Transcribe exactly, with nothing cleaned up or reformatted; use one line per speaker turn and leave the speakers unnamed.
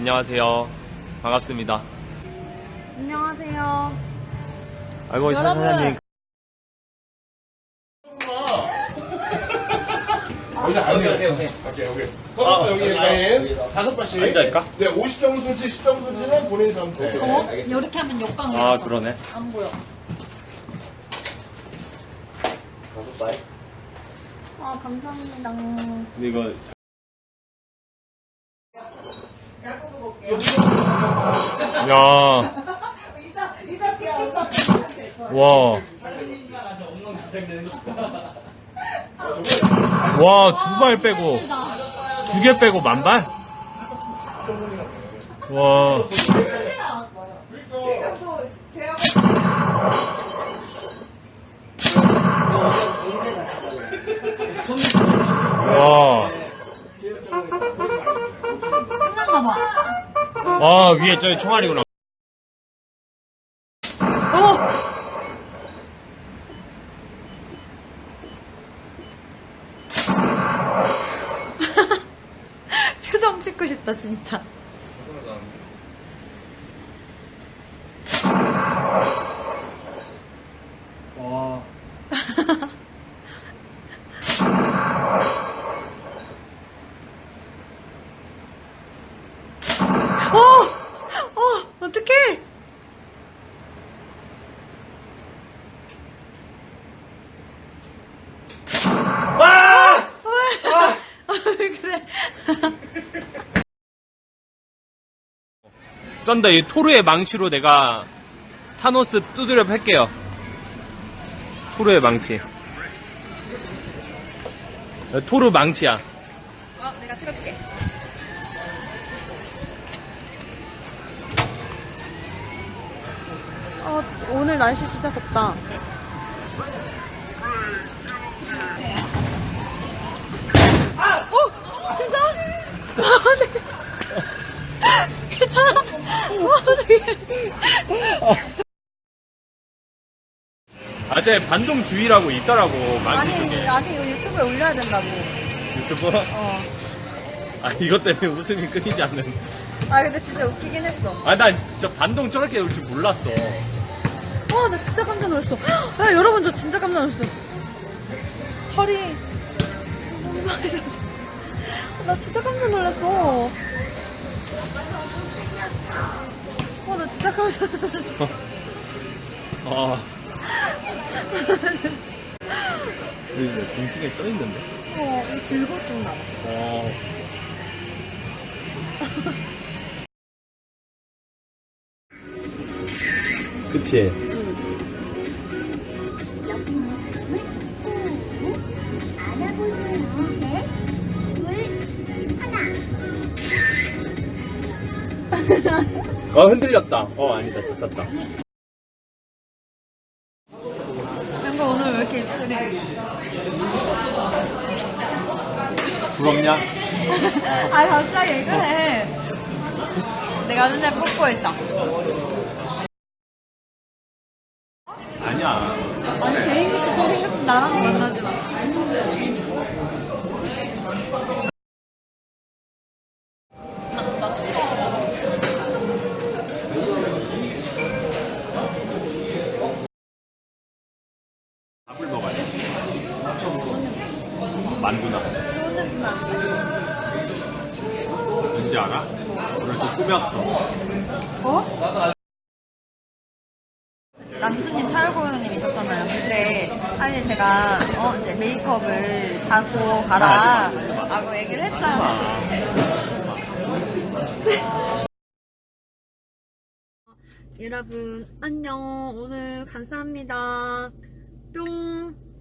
안녕하세요. 반갑습니다.
안녕하세요.
아이고,
여러분.
사장님.
오케이, 오케이, 오케이. 오케이, 오케이. 아, 여기 일단 다섯 번씩.
앉아있까?
네, 오십 점 손치, 십 점 손치는 본인 상태.
어? 이렇게 하면 역광이
아, 그러네.
안 보여.
다섯 바이.
아, 감사합니다.
근데 이거. 야. 와. 와, 두 발 빼고, 두 개 빼고 만 발? 와.
지금도 대학
와.
끝났나봐.
와, 위에 저기 총알이구나.
어! 표정 찍고 싶다, 진짜.
와.
어! 어! 어떡해!
와!
왜 그래?
썬더 이 토르의 망치로 내가 타노스 두드려 팰게요. 토르의 망치. 토르 망치야.
어, 내가 찍어줄게. 어, 오늘 날씨 진짜 덥다. 아! 어? 진짜? 아, 네. 괜찮아? 와, 네.
아재 반동주의라고 있더라고. 망치
아니,
쪽에.
아니, 이거 유튜브에 올려야 된다고.
유튜브?
어.
아, 이것 때문에 웃음이 끊이지 않는.
아, 근데 진짜 웃기긴 했어.
아, 난 저 반동 저렇게 올 줄 몰랐어.
와, 나 진짜 깜짝 놀랐어. 야, 여러분, 저 진짜 깜짝 놀랐어. 허리. 나 진짜 깜짝 놀랐어. 와, 나 진짜 깜짝 놀랐어.
아. 왜 공중에 떠 있는데?
어, 이거 들고 좀 나와.
어. 그치? 어, 흔들렸다. 어, 아니다. 잡혔다.
뭔가 오늘 왜 이렇게 입술이.
부럽냐?
아, 갑자기 왜 그래. 내가 맨날 뽀뽀했다.
아니야.
아니, 개인기도 생각도 나랑 만나지 마.
밥을 먹어야 돼. 만두나. 뭔지 알아? 오늘 또 꾸몄어.
어? 남수님, 철구님 있었잖아요. 그때 사실 제가 어 이제 메이크업을 하고 가라 라고 얘기를 했잖아요. 여러분 안녕. 오늘 감사합니다. 뿅.